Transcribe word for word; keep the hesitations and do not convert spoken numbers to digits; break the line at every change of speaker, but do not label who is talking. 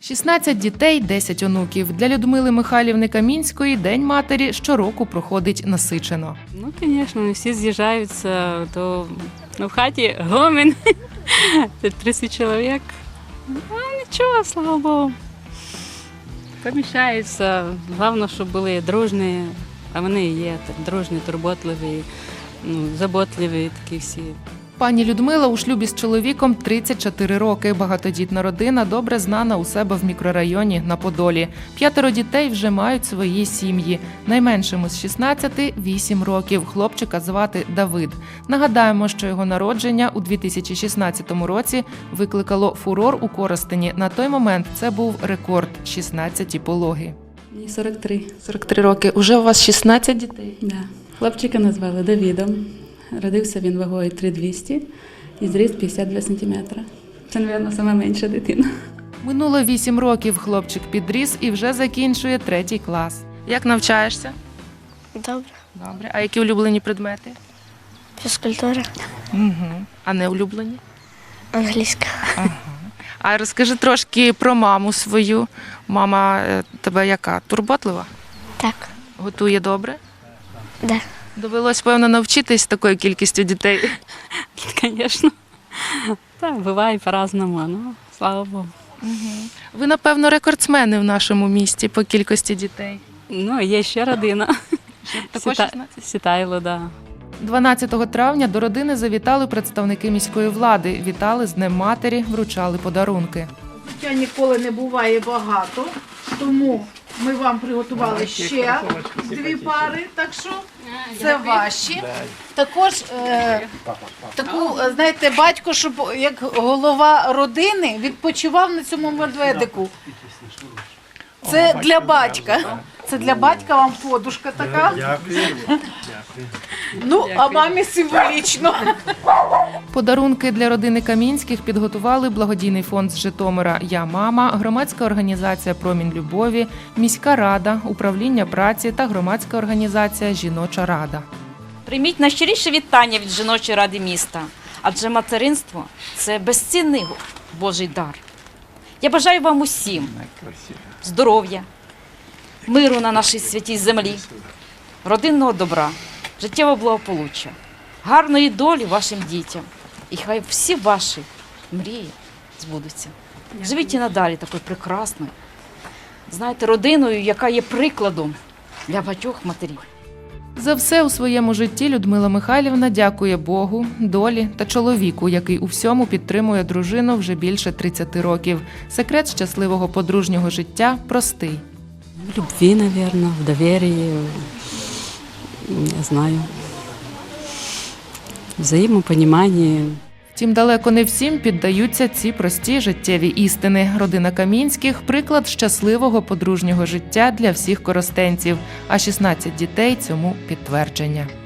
шістнадцять дітей, десять онуків. Для Людмили Михайлівни Камінської День матері щороку проходить насичено.
Ну, звісно, не всі з'їжджаються, то ну, в хаті гомін, тридцять чоловік. Ну, нічого, слава Богу. Поміщаються. Головне, щоб були дружні, а вони і є так, дружні, турботливі, ну, заботливі такі всі.
Пані Людмила у шлюбі з чоловіком тридцять чотири роки. Багатодітна родина добре знана у себе в мікрорайоні на Подолі. П'ятеро дітей вже мають свої сім'ї. Найменшому з шістнадцяти – вісім років. Хлопчика звати Давид. Нагадаємо, що його народження у дві тисячі шістнадцятому році викликало фурор у Коростені. На той момент це був рекорд – шістнадцять пологи.
Мені сорок три.
сорок три роки. Уже у вас шістнадцять дітей?
Да. Хлопчика назвали Давідом. Родився він вагою три двісті і зріст п'ятдесят два сантиметри. Це, мабуть, сама менша дитина.
Минуло вісім років, хлопчик підріс і вже закінчує третій клас. Як навчаєшся?
Добре.
Добре. А які улюблені предмети?
Фізкультура.
Угу. А не улюблені?
Англійська.
Ага. А розкажи трошки про маму свою. Мама е, тебе яка? Турботлива?
Так.
Готує добре?
Да.
Довелось, певно, навчитись такою кількістю дітей.
Звісно. Так, буває по-разному, ну, слава Богу.
Угу. Ви, напевно, рекордсмени в нашому місті по кількості дітей.
Ну, є ще родина.
Також
Сіта-
шістнадцять?
Сітайло, да.
дванадцятого травня до родини завітали представники міської влади. Вітали з Днем матері, вручали подарунки.
Життя ніколи не буває багато, тому ми вам приготували ще дві пари, так що це ваші. Також е, таку, е, знаєте, батько, щоб як голова родини відпочивав на цьому медведику. Це для батька. Це для батька вам подушка така.
Дякую.
Ну, а мамі символічно.
Подарунки для родини Камінських підготували благодійний фонд з Житомира «Я мама», громадська організація «Промінь любові», міська рада, управління праці та громадська організація «Жіноча рада».
Прийміть найщиріше вітання від жіночої ради міста, адже материнство – це безцінний Божий дар. Я бажаю вам усім здоров'я, миру на нашій святій землі, родинного добра, життєвого благополуччя, гарної долі вашим дітям. І хай всі ваші мрії збудуться. Живіть і надалі такою прекрасною, знаєте, родиною, яка є прикладом для багатьох матерів.
За все у своєму житті Людмила Михайлівна дякує Богу, долі та чоловіку, який у всьому підтримує дружину вже більше тридцяти років. Секрет щасливого подружнього життя простий.
В любві, мабуть, в довір'ї, не знаю, в взаємопоніманні.
Втім, далеко не всім піддаються ці прості життєві істини. Родина Камінських – приклад щасливого подружнього життя для всіх коростенців, а шістнадцять дітей – цьому підтвердження.